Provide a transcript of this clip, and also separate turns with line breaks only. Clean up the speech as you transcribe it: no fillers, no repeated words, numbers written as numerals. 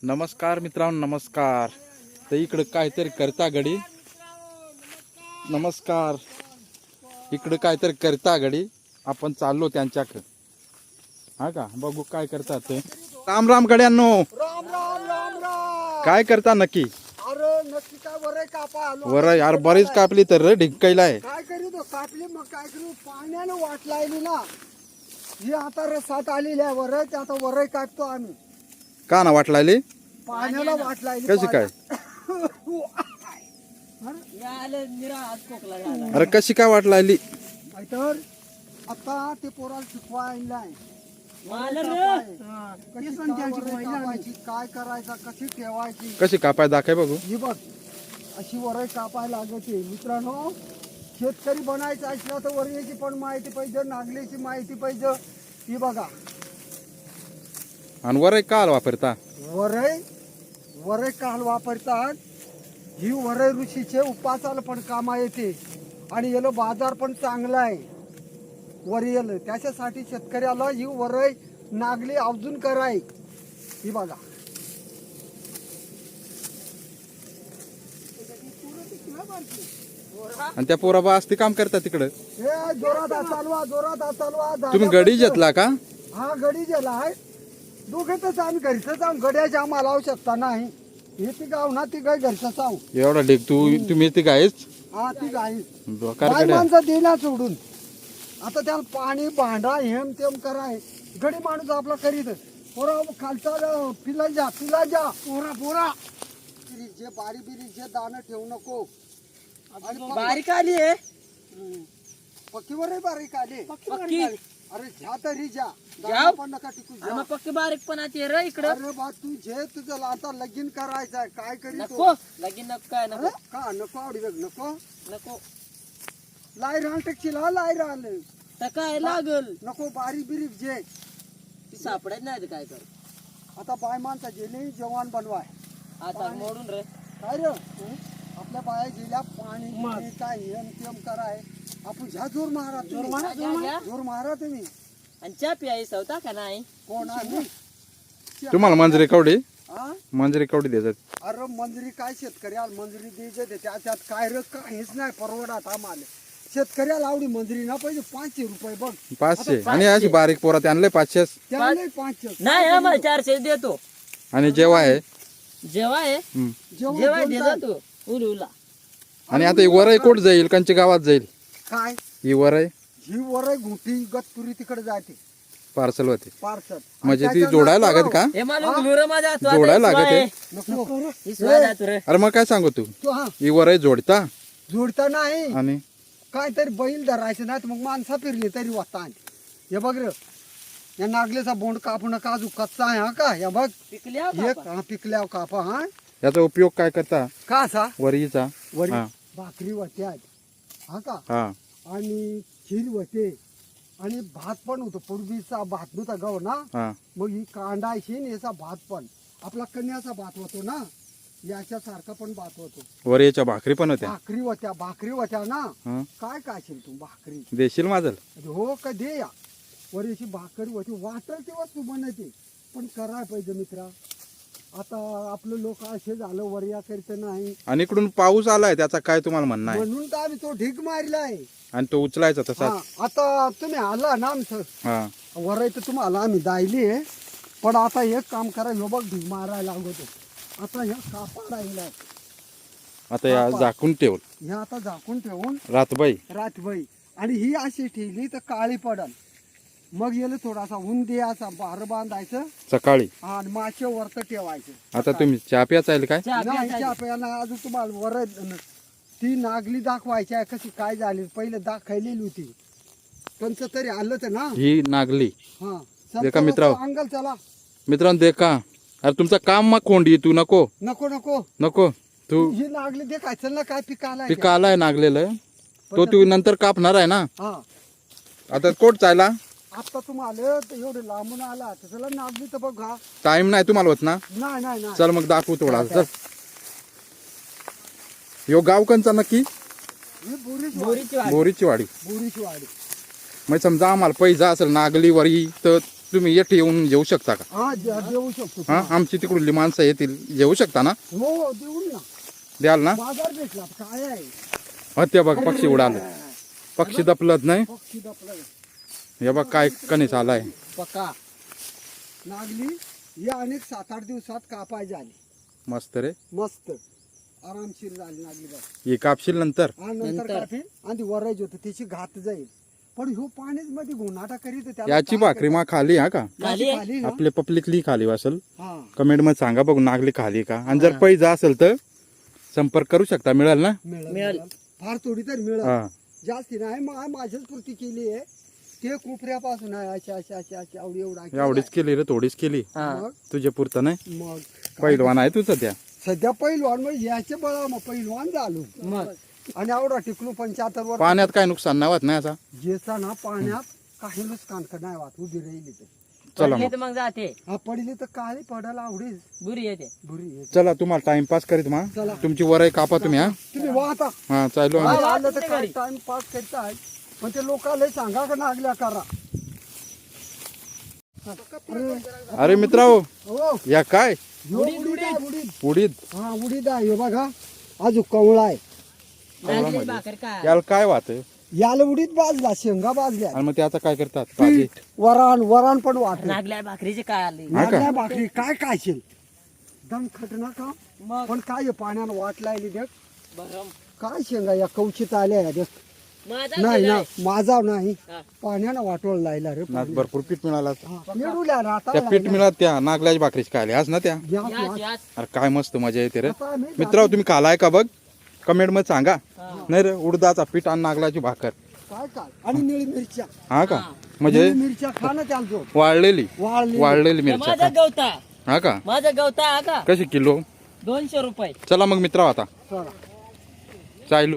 नमस्कार मित्रांनो, नमस्कार. तर इकडं काहीतरी करता घडी. नमस्कार. इकडं काहीतरी करता घडी. आपण चाललो त्यांच्याकडे. हा का, बघू काय करतात ते. राम राम गड्यांनो.
राम राम राम राम.
काय करता नक्की?
अरे नक्की काय वरय कापा आलो.
वर यार बरीच कापली तर ढिंकायला आहे.
काय करू तो कापली मग काय करू, पाण्यानं वाट लायली ना. ही आता रसात आलेली आहे वरय, ते आता वरय कापतो आम्ही.
का ना वाट लागली?
पाण्याला वाट लायली.
कशी काय? अरे कशी काय वाट लागली?
तर आता ते पोराला शिकवायला आहे. काय करायचं, कशी ठेवायची,
कशी कापाय दाखय बघू.
ही बघ अशी वरय कापायला लागते. मित्रांनो, शेतकरी बनायचं असलं तर वरईची पण माहिती पाहिजे, नागलीची माहिती पाहिजे. ही बघा
आणि वरय काल वापरता.
वरय काल वापरतात. ही वरय ऋषीचे उपासाला पण कामा येते आणि याला बाजार पण चांगला आहे वरईला. त्याच्यासाठी शेतकऱ्याला ही वरय नागली अवजून कराय. ही बघा
आणि त्या पोराबा असते काम करतात तिकडं.
हे जोरात हात चालवा, जोरात हात चालवा.
तुम्ही गडी घेतला का?
हा गडी गेला आहे. दोघेच आम्ही घरच आहोत. गड्याच्या आम्हाला आवश्यकता नाही. हे ती गाव ना, ती गाय घरच आहो.
एवढा ढेक तुम्ही ती गायच
हा ती गाय
डोकार
माणसं देना सोडून. आता त्याला पाणी भांडा हेम तेम कराय. गडी माणूस आपला करीत. पोरा खालचा पिला जा पोरा पोरा. जे बारी बिरी जे दाणं ठेवू नको. आणि
बारीक आली आहे.
पक्कीवर बारीक आले.
पक्की
अरे झ्या तरी जा.
जाऊ.
दाणं पण नका टिकू जा.
मग पक्की बारीक पण आहे रे इकडं.
अरे बा तू जे तुझं आता लगीन करायचंय काय करीत
नको लगीन नको काय नको
का नको आवडी बघ नको.
नको
लाई राहण टेकशील हा लाई राहल
तर काय लागल.
नको. बारीक बिरीक जे
ती सापडत नाही तर काय कर.
आता बाय माणसा गेली जेवण बनवाय.
आता मोडून रे.
काय रे आपल्या बाया गेल्या पाणी बिणी काय हेम तेम कराय. आपण झ्या जोर मारा तुम्ही.
घ्या.
जोर मारा तुम्ही.
आणि चहा प्यायचा होता का नाही.
कोण आम्ही
तुम्हाला मंजरी कवडी
हा?
मंजरी कवडी देतात.
अरे मंजुरी काय शेतकऱ्याला मंजुरी द्यायचे ते त्याच्यात काय रे काहीच नाही परवडत आम्हाला. शेतकऱ्याला आवडी मंजुरी ना पाहिजे. 500 रुपये बघ.
500 आणि अशी बारीक पोरात आणले 500.
त्याला 500
नाही आम्हाला 400 देतो.
आणि जेव्हा आहे
जेव्हा आहे जेव्हा देतो तू उला.
आणि आता ही वरई कोट जाईल कंची गावात जाईल.
काय
ही वरई
ही वरय घुटी गतपुरी तिकडे जाते
पार्सल होते.
पार्सल.
म्हणजे ती जोडायला लागत का?
हे मला उलूर माझा
जोडायला लागत आहे.
नको
ही स्वाद आहे रे.
अरे मग काय सांगू तू.
तो हा
ही वरई जोडता
जोडता नाही.
आणि
काहीतरी बैल धरायचं नाही तर मग माणसा फिरली तरी वाटता. हे बघ रे या नागलेचा बोंड कापून काजू कच्चा आहे हा का. या बघ
पिकल्या
एक हा पिकल्या कापा. हा
याचा उपयोग काय करता
का असा
वरीचा?
वरी
हा.
भाकरी होते हा का.
हा
आणि खीर होते आणि भात पण होतो. पूर्वीचा भात नव्हता गव ना.
हा
मग ही कांडायची आणि याचा भात पण आपला कन्याचा भात होतो ना. याच्या सारखा पण भात होतो.
वरीच्या भाकरी पण होत्या.
भाकरी होत्या ना.
हा.
काय खाशील तू भाकरी.
देशील माझं.
हो का दे या. वरीची भाकरी होती. वाटेल ती वस्तू बनते पण करायला पाहिजे मित्रा. आता आपलं लोक असे झालं वरिया करीत नाही
आणि इकडून पाऊस आलाय त्याचा काय तुम्हाला म्हणणं आहे?
म्हणून तर आम्ही तो ढीग मारलाय.
आणि तो उचलायचा तसा.
आता तुम्ही आला ना आमचं
हा
वराय तर तुम्हाला आम्ही दायली आहे. पण आता एक काम करा. ह्यो बघ ढीग मारायला लागतो. आता ह्या कापा राहिलाय.
आता या झाकून ठेव
ह्या आता झाकून ठेवून
रातबाई.
रातभई आणि ही अशी ठेवली तर काळी पडल. मग याला थोडासा ऊन द्यायचा. बार बांधायचं
सकाळी.
आणि मासे वरत ठेवायचं.
आता तुम्ही चहा प्यायचा येईल काय?
नाही चहा प्यायला अजून तुम्हाला वर ती नागली दाखवायची आहे कशी काय झाली. पहिले दाखवलेली होती. त्यांचं तरी आलं तर ना.
ही नागली.
हा
देखा मित्रांनो.
अंगल चला
मित्रांनो देखा. अरे तुमचं काम मग कोंडी तू नको
नको नको
नको तू.
ही नागली देखायचं ना काय पिकाला.
ते काल आहे नागलेलं तो तू नंतर कापणार आहे ना.
हा
आता कोट चायला
आता तुम्हाला एवढे लांबून आला तर चला नागली तर बघा.
टाइम नाही तुम्हाला होत ना.
नाही नाही नाही.
चल मग दाखवू थोडा. चल यो गाव कंचा नक्की.
ही बोरीची
बोरीची वाडी.
बोरीची वाडी.
बोरीची वाडी.
मग समजा आम्हाला पैसा असेल नागली वरी तर तुम्ही येथे येऊन जेवू शकता का?
हा देऊ शकतो.
हा आमची तिकडली माणसं येतील जेवू शकता ना?
हो देऊन ना.
द्याल ना?
बाजार भेटला काय आहे.
हा ते बघ पक्षी उडाले. पक्षी दपलत नाही.
पक्षी दपला
हे बघ काय कणीस आलाय.
पक्का नागली ही अनेक 7-8 दिवसात कापाय झाली.
मस्त रे.
मस्त आरामशीर झाली नागली बघ.
हे कापशील नंतर.
आणि नंतर कापील आणि वरायची होती त्याची घात जाईल. पण ह्यो पाण्याच मध्ये गोनाटा करीत त्याला
याची
काय
भाकरी मा खाली हा का?
याची खाली ना?
आपले पब्लिकली खाली असेल.
हा
कमेंट मध्ये सांगा बघू नागली खाली का. आणि जर पैसा असेल तर संपर्क करू शकता. मिळेल ना?
मिळेल. फार थोडी तर मिळेल.
हा
जास्ती नाही माझ्याच पुरती केली आहे. ते कोपऱ्यापासून आहे अशी अशी अशी अशी आवडी एवढा
एवढीच केली रे थोडीच केली.
मग
तुझ्या पुरतं नाही.
मग
पहिलवान आहे तुझं त्या.
सध्या पहिलवान मग याचे बळा मग पहिलवान झालो.
मग
आणि आवडा टिकलो 75 वर.
पाण्यात काय नुकसान नाही होत नाही असा.
जेचा ना पाण्यात काही नुकसान नाही वाट उभी राहिली तर.
चला
पडली
मग
तर मग जाते
हा पडली तर काळी पडायला आवडेल.
बुरी येते.
बुरी येते.
चला तुम्हाला टाइमपास करीत मा.
चला.
तुमची वरई कापा तुम्ही. हा
तुम्ही वाहता
हा चालू आम्ही.
आलं तर काय टाइम पास करताय. पण ते लोकांना सांगा का नागल्या करा.
अरे मित्रांनो
हो
या काय
उडीद आहे, उडीद.
उडीद
हा उडीद आहे हे बघा. अजून कवळा आहे.
नागली भाकर काय
याला काय वाहत
याला उडीद बाजला शेंगा बाजल्या.
आणि मग त्याचं काय करतात भाजी.
पीठ वरण पण वाटत.
नागल्या भाकरीचे काय आले
हा का?
नागल्या भाकरी काय खायशील दम खटना का.
मग
पण काय हे पाण्यानं वाट लागली देख.
बरं
काय शेंगा या कवचित आल्या या देख.
माझा
नाही ना
गेलाय.
माझा नाही
हा.
पाण्यानं वाटवळ लायला रे.
ना भरपूर पीठ मिळाला.
मिळूल्या राहता
त्या पीठ मिळाला त्या नागल्याची भाकरीची काय आज ना त्या.
याच, याच.
अरे काय मस्त मजा येते रे. मित्रांनो तुम्ही खालाय का बघ कमेंट मध्ये सांगा. नाही रे उडदाचा पीठ आणि नागल्याची भाकर.
काय काय आणि निळी मिरच्या.
हा का म्हणजे
निळी मिरच्या खा ना त्यांचं
वाळलेली
वाळली.
मिरच्या
माझा
का?
गवता
हा का
माझा गवता हा का
कशी किलो.
200 रुपये
चला मग मित्र आता
चला
चालू